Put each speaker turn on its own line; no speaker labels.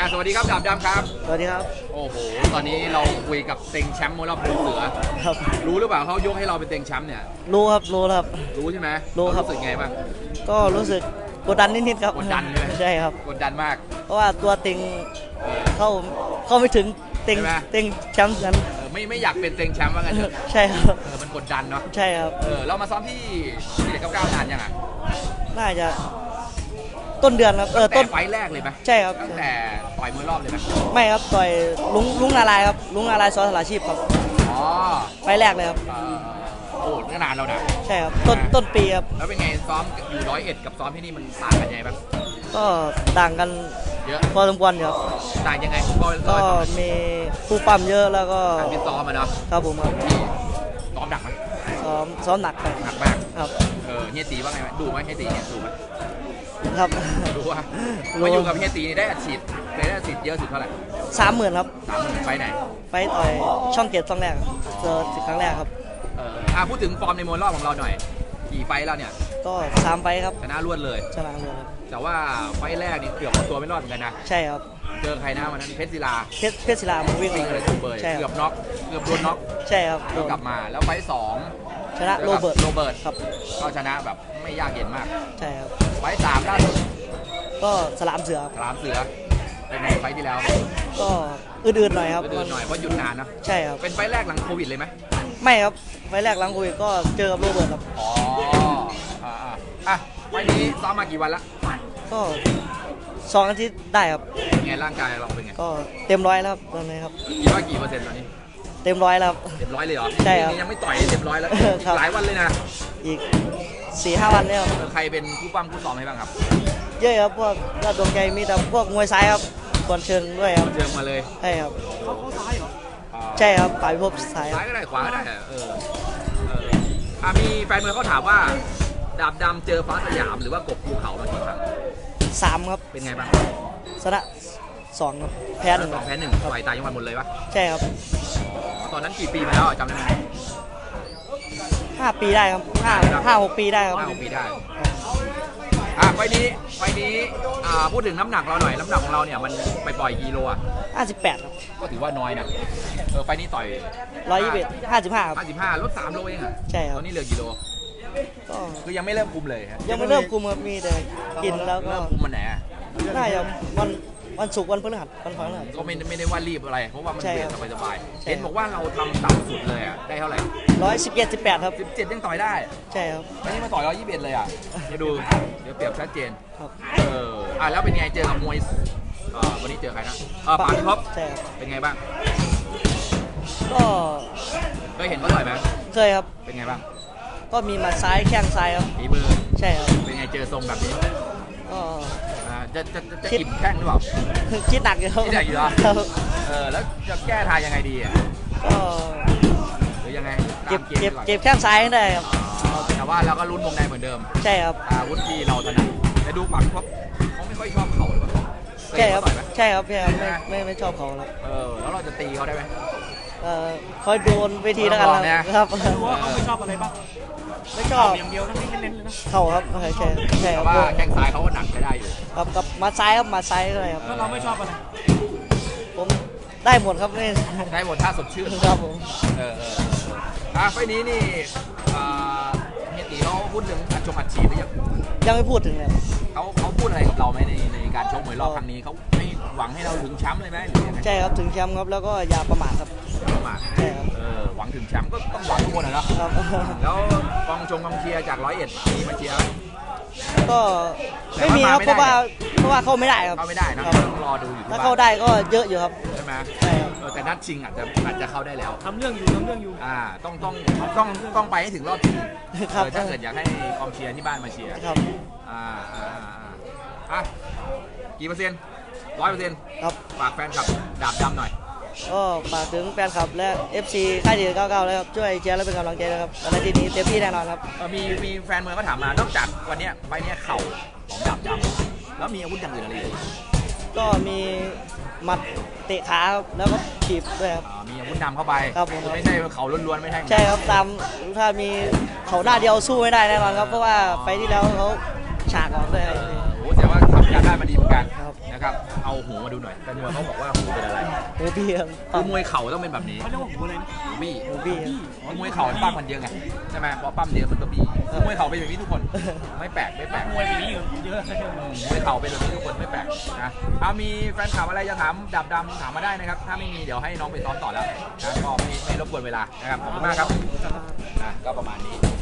สวัสดีครับดาบดำครับ
สวัสดีครับ
โอ้โหตอนนี้เราคุยกับเต็งแชมป์มวยรอบภูเสือ
ครับ
รู้หรือเปล่าเขายกให้เราเป็นเต็งแชมป์เนี่ย
รู้ครับรู้ครับ
รู้ใช่ไหม
รู้ครับ
รู้สึกไงบ้าง
ก็รู้สึกกดดันนิดๆครับ
กดดันเลย
ใช่ครับ
กดดันมาก
เพราะว่าตัวเต็งเข้าไม่ถึงเต็งแชมป์นั้น
ไม่อยากเป็นเต็งแชมป์ว่างั้นเถอะ
ใช่ครับ
มันกดดันเนาะ
ใช่ครับ
เรามาซ้อมที่เด็ก99นานยังอ่ะ
น่าจะต้นเดือนครับ
ต้นไฟแรกเลยไหม
ใช่ครับ
ตั้งแต่ต่อยมวยรอบเลยไหม
ไม่ครับต่อยลุงนาลายครับลุงนาลายสอสลาชีพครับ
อ๋อ
ไฟแรกเลยครับ
โอ้นานแล้วนะ
ใช่ครับต้นปีครับ
แล้วเป็นไงซ้อมอยู่101กับซ้อมที่นี่มันต่างกันยังไงบ้าง
ก็ต่างกัน
เยอะ
พอสมควรครับ
ต่างยังไง
ก็มีผู้ปั้มเยอะแล้วก็
การฟิตซ้อมมาเนาะ
ครับผมครับ
ซ้อมหนักไหม
ซ้อมหนัก
มาก
ครับ
เฮียตีว่าไงดูไหมเฮียตีเนี่ยดูไหม
ครับ
ดูว่ามาอยู่กับเฮียตีได้อัดฉีดเยอะสุดเท่าไหร่
30,000ครับ
30,000ไปไหน
ไปต่อยช่องเกตช่องแรกเจอครั้งแรกครับ
พูดถึงฟอร์มในมวยรอบของเราหน่อยกี่ไฟแล้วเนี่ย
ก็3ไฟครับ
ชนะรวดเลย
ชนะรวดครับ
แต่ว่าไฟแรกนี่เกือบเอาตัวไม่รอดเหมือนกันนะ
ใช่ครับ
เจอใครนะวันนั้นเพชรศิลา
วิ่ง
เลยถูกเบยเกือบน็อกเกือบโดนน็อก
ใช่ครับ
กลับมาแล้วไฟ2
ชนะโรเบิร์ต
ครับก็ชนะแบบไม่ยากเย็นมาก
ใช่ครับ
ไฟ3ล่าสุด
ก็สลามเสือ
เป็นไงไฟที่แล้ว
ก็อื่นๆหน่อยครับ
อื่นๆหน่อยเพราะหยุดนานนะ
ใช่ครับ
เป็นไฟแรกหลังโควิดเลยไหม
ไม่ครับไฟแรกหลังโควิดก็เจอกับโรเบิร์ตครับ
ไฟนี้ซ้อมมากี่วันละ
ก็2 อาทิตย์ได้ครับ
ไงร่างกายเราเป็นไง
ก็เต็ม100แล้วครับตอนนี้ครับ
คิดว่ากี่เปอร์เซ็นต์ตอนนี้
เต็ม100แล้วครับ
เต็ม100เลยเหรอ
ใช่ครับ
ยังไม่ต่อยเต็ม100แล้วหลายวันเลยนะ
อีก 4-5 วันเนี่ย
ใครเป็นผู้ปั้มผู้ซ้อมให้บ้างครับ
เยอะครับพวกยอดดวงใจมีแต่พวกมวยซ้ายครับก่อนเชิงด้วยครับ
เชิงมาเลย
ใช่ครับเขาซ้ายเหรอใช่ครับฝ่ายพิภพซ้าย
ก็ได้ขวาก็ได้มีแฟนมวยเขาถามว่าดาบดำเจอฟ้าสยามหรือว่ากบภูเขามากี่ครั้ง
3ครับ
เป็นไงบ้าง
ชนะ2ครับแพ้1
ต่อยตายยังวันหมดเลยปะ
ใช่ครับ
ตอนนั้นกี่ปีมาแล้วจำได้ไหม
5 ปีได้ครับ5-6 ปีได้ครับ
5-6 ปีได้ไฟนี้พูดถึงน้ำหนักเราหน่อยน้ำหนักของเราเนี่ยมันไปปล่อยกิโล
58ครับ
ก็ถือว่าน้อยนะไฟนี้ต่อย
55ครับ
55ลด3 โลเองอ่ะ
ใช่ครับ
ตอนนี้เหลือกิโล
ก็
คือยังไม่เริ่มคุมเลย
ยังไม่เริ่มคุมครับมีแต่กินแล้วก็
เริ่มคุมมันไหน
น่าจะวันศุกร์วันพฤหัส
ก็ไม่ได้ว่ารีบอะไรเพราะว่ามันเบียดสบายๆเห็นบอกว่าเราทำต่ำสุดเลยอ่ะได้เท่าไหร่
117-18ครับ
17ยังต่อยได้
ใช่ครับ
วันนี้มาต่อย121เลยอ่ะจะดูเดี๋ยวเปรียบชัดเจน
ครับ
แล้วเป็นไงเจอกับมวยวันนี้เจอใครนะปานท็อป
ใช่ครับ
เป็นไงบ้าง
ก็
เคยเห็นเขาต่อยไหม
เคยครับ
เป็นไงบ้าง
ก็มีมาซ้ายแข้งซ้ายครับ
ฝีมือ
ใช่ครับ
เป็นไงเจอทรงแบบนี้
ก็
จะอิ่มแข้งหรือเปล่า
คิดหนักอยู่
คิดหนักอยู่เหรอแล้วจะแก้ทางยังไงดีอ่ะ
ก็
หรือยังไง
เก็บแข้งซ้ายได้ครับ
แต่ว่าเราก็ลุ้นวงในเหมือนเดิม
ใช่ครับ
อาวุธที่เราถนัดแต่ดูฝั่งเขาไม่ค่อยชอบเข่าหรือเปล่า
ใช่ครับไม่ชอบเขาแล้ว
แล้วเราจะตีเขาได้ไหม
คอยโดนเวทีแล้วกัน
นะครับรู้ว่าเขาไม่ชอบอะไรบ้าง
ไม่ชอบ
อย่างเดียวนะไม่เน้นเลยนะ
เข่าครับใช่
ครับว่าแข้งซ้ายเขาก็หนักใช้ได้อยู่
กับมาซ้ายครับมาซ้ายเลยครับ
แล้วเราไม่ชอบอะไร
ผมได้หมดครับนี่
ได้หมดถ้าสดชื่น
ครับผม
ไฟนี้นี่เฮียตีเขาพูดถึงการชกอัดฉีดหรือ
ยังไม่พูดถึงเลย
เขาพูดอะไรกับเราไหมในการชกมวยรอบครั้งนี้เขาไม่หวังให้เราถึงแชมป์เลยไหมหรือยังไง
ใช่ครับถึงแชมป์ครับแล้วก็อย่าประมาทครับ
ประมาทใช่ครับหวังถึงแชมป์ก็ต้องหวังทุกคนนะแล้วกองเชียร์จาก101มีมาเชียร์
ก็ไม่มีครับเพราะว่าเข้าไม่ได้ครับ
เข้าไม่ได้นะต้องรอดูอยู่
ถ้าเข้าได้ก็เยอะอยู่ครับ
ใช่ไหม
ใช่ครับ
แต่นัดชิงอาจจะเข้าได้แล้ว
ทำเรื่องอยู่
ต้องไปให้ถึงรอบชิงถ้าเกิดอยากให้กองเชียร์ที่บ้านมาเชียร์
ครับ
กี่เปอร์เซ็นต์100%
ครับ
ฝากแฟนคลับดาบดำหน่อย
ก็ฝากถึงแฟนคลับและ FC ค่ายดี99เลยครับช่วยเชียร์และเป็นกำลังใจนะครับในทีนี้เต็มที่แน่นอนครับ
มีแฟนเมืองก็ถามมานอกจากวันนี้ไฟนี้เข่าของดาบดำแล้วมีอาวุธอย่างอื่นอะไรอีก
ก็มีหมัดเตะขาครับแล้วก็ถีบด้วยครับ
มีอาวุธนำเข้าไป
ครับผม
ไม่ใช่เข่าล้วนๆไม่ใช่
ใช่ครับถ้ามีเข่าหน้าเดียวสู้ไม่ได้แน่นอนครับเพราะว่าไฟที่แล้วเขาฉากออกด้วย
โอ้แต่ว่าทำการได้มาดีเหมือนกันนะครับเอาหูมาดูหน่อยแต่มวยเขาบอกว่าหูเป็นอะไร
หูพี่ครับ
คือมวยเข่าต้องเป็นแบบนี้
เขาเรียกว่าหูอะไรนะ
หูบี้
หูพี่ครับ
มวยเข่ามันปั้มมันเยอะไงใช่ไหมพอปั้มเยอะมันก็บี้มวยเข่าเป็นแบบนี้ทุกคนไม่แปลกไม่แปลก
มวยแบบนี้อยู่เยอะ
มวยเข่าเป็นแบบนี้ทุกคนไม่แปลกนะมีแฟนคลับอะไรจะถามดับดำถามมาได้นะครับถ้าไม่มีเดี๋ยวให้น้องไปซ้อมต่อแล้วนะก็ไม่รบกวนเวลานะครับขอบคุณมากครับก็ประมาณนี้